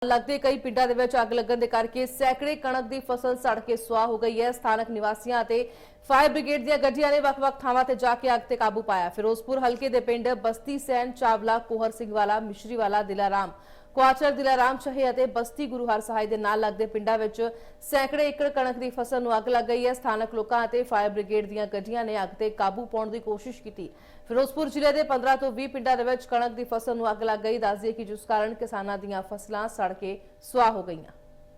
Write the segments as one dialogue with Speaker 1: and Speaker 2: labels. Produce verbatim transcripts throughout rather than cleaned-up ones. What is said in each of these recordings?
Speaker 1: लगते कई पिंडां दे विच अग लगन दे करके सैकड़े कणक दी फसल सड़ के सुआह हो गई है। स्थानक निवासियां ते फायर ब्रिगेड ਦੀਆਂ ਗੱਡੀਆਂ ਨੇ ਵੱਖ-ਵੱਖ ਥਾਵਾਂ ਤੇ ਜਾ ਕੇ ਅੱਗ ਤੇ ਕਾਬੂ ਪਾਇਆ। ਫਿਰੋਜ਼ਪੁਰ ਹਲਕੇ ਦੇ ਪਿੰਡ ਬਸਤੀ ਸੈਨ ਚਾਵਲਾ ਕੋਹਰ ਸਿੰਘ ਵਾਲਾ ਮਿਸ਼ਰੀ ਵਾਲਾ ਦਿਲਾਰਾਮ ਕੁਆਚਰ ਦਿਲਾਰਾਮ ਚਾਹੇ ਅਤੇ ਬਸਤੀ ਗੁਰੂ ਹਰ ਸਹਾਇ ਦੇ ਨਾਲ ਲੱਗਦੇ ਪਿੰਡਾਂ ਵਿੱਚ ਸੈਂਕੜੇ ਏਕੜ ਕਣਕ ਦੀ ਫਸਲ ਨੂੰ ਅੱਗ ਲੱਗ ਗਈ ਹੈ। ਸਥਾਨਕ ਲੋਕਾਂ ਅਤੇ ਫਾਇਰ ਬ੍ਰਿਗੇਡ ਦੀਆਂ ਗੱਡੀਆਂ ਨੇ ਅੱਗ ਤੇ ਕਾਬੂ ਪਾਉਣ ਦੀ ਕੋਸ਼ਿਸ਼ ਕੀਤੀ। ਫਿਰੋਜ਼ਪੁਰ ਜ਼ਿਲ੍ਹੇ ਦੇ ਪੰਦਰਾਂ ਤੋਂ ਵੀਹ ਪਿੰਡਾਂ ਦੇ ਵਿੱਚ ਕਣਕ ਦੀ ਫਸਲ ਨੂੰ ਅੱਗ ਲੱਗ ਗਈ। ਦੱਸ ਦਈਏ ਕਿ ਜਿਸ ਕਾਰਨ ਕਿਸਾਨਾਂ ਦੀਆਂ ਫਸਲਾਂ ਸੜ ਕੇ ਸੁਆਹ ਹੋ ਗਈਆਂ।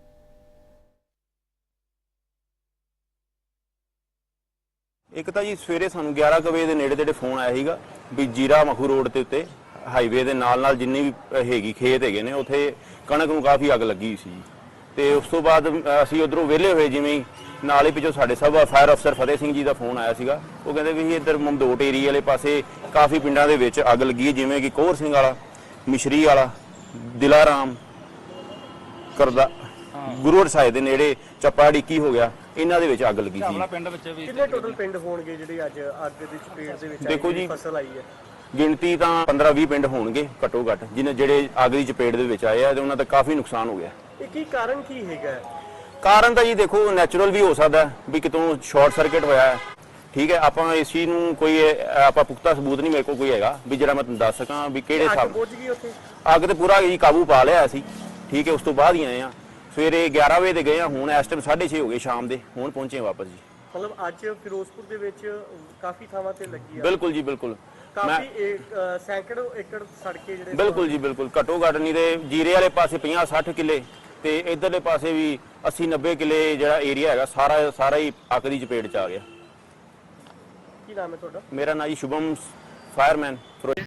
Speaker 2: एक तो जी सवेरे सानू ग्यारह बजे के नेड़े तेड़े फोन आया सीगा भी जीरा मखू रोड के उत्ते हाईवे के नाल नाल जिन्नी भी हैगी खेत है ने उत्थे कणक नूं काफ़ी अग लगी सी। ते उस तो बाद असीं उधरों वेले होए जिवें नाल ही पिछों साडे सब फायर अफसर फतेह सिंह जी का फोन आया सीगा। वो कहते भी इधर ममदोट एरिए वाले पासे काफ़ी पिंडां दे विच अग लगी है, जिवें कि कोहर सिंह वाला मिशरी वाला दिलाराम करदा गुरु हर साहिब दे नेड़े चप्पा डिक्की हो गया, इन्हां दे विच अग लगी सी।
Speaker 3: कितने टोटल पिंड होणगे जिहड़े अज अग दी चपेट दे विच
Speaker 2: देखो जी
Speaker 3: फसल आई है?
Speaker 2: गिणती तां पंद्रह बीस पिंड होणगे घट्टो घट जिन्हें जिहड़े अग दी चपेट दे विच आए आ ते उन्हां दा काफ़ी नुकसान हो गया।
Speaker 3: ਇਹ ਕੀ ਕਾਰਨ ਕੀ ਹੈਗਾ?
Speaker 2: ਕਾਰਨ ਤਾਂ ਜੀ ਦੇਖੋ ਨੈਚੁਰਲ ਵੀ ਹੋ ਸਕਦਾ ਵੀ ਕਿਤੋਂ ਸ਼ਾਰਟ ਸਰਕਟ ਹੋਇਆ ਹੈ। ਠੀਕ ਹੈ, ਆਪਾਂ ਇਸ ਚੀਜ਼ ਨੂੰ ਕੋਈ ਆਪਾਂ ਪੁਖਤਾ ਸਬੂਤ ਨਹੀਂ ਮੇਰੇ ਕੋਲ ਕੋਈ ਹੈਗਾ ਵੀ ਜਿਹੜਾ ਮੈਂ ਤੁਹਾਨੂੰ ਦੱਸ ਸਕਾਂ ਵੀ ਕਿਹੜੇ
Speaker 3: ਅੱਗ
Speaker 2: ਹਿਸਾਬ
Speaker 3: ਬੁੱਝ ਗਈ ਉੱਥੇ?
Speaker 2: ਅੱਗ ਤੇ ਪੂਰਾ ਜੀ ਕਾਬੂ ਪਾ ਲਿਆ ਸੀ। ਠੀਕ ਹੈ, ਉਸ ਤੋਂ ਬਾਅਦ ਹੀ ਆਏ ਆ ਸਵੇਰੇ ਗਿਆਰਾਂ ਵਜੇ ਤੇ ਗਏ ਆ, ਹੁਣ ਇਸ ਟਾਈਮ ਸਾਢੇ ਛੇ ਹੋ ਗਏ ਸ਼ਾਮ ਦੇ, ਹੁਣ ਪਹੁੰਚੇ ਵਾਪਸ ਜੀ।
Speaker 3: ਮਤਲਬ ਅੱਜ ਫਿਰੋਜ਼ਪੁਰ ਦੇ ਵਿੱਚ ਕਾਫੀ ਥਾਵਾਂ ਤੇ ਲੱਗੀ ਆ?
Speaker 2: ਬਿਲਕੁਲ ਜੀ ਬਿਲਕੁਲ,
Speaker 3: ਕਾਫੀ ਸੈਂਕੜੋ ਏਕੜ ਸੜਕੇ ਜਿਹੜੇ
Speaker 2: ਬਿਲਕੁਲ ਜੀ ਬਿਲकुल ਘੱਟੋ ਘੱਟ ਨਹੀਂ ਤੇ ਜੀਰੇ ਵਾਲੇ ਪਾਸੇ ਪੰਜਾਹ ਸੱਠ ਕਿੱਲੇ ਤੇ ਇਧਰਲੇ ਪਾਸੇ ਵੀ अस्सी नब्बे किले ਜਿਹੜਾ ਏਰੀਆ ਹੈਗਾ ਸਾਰਾ ਸਾਰਾ ਹੀ ਅੱਗ ਦੀ ਚਪੇਟ ਚ ਆ ਗਿਆ।
Speaker 3: ਕੀ ਨਾਮ ਹੈ ਤੁਹਾਡਾ?
Speaker 2: ਮੇਰਾ ਨਾਮ ਜੀ ਸ਼ੁਭਮ ਫਾਇਰਮੈਨ।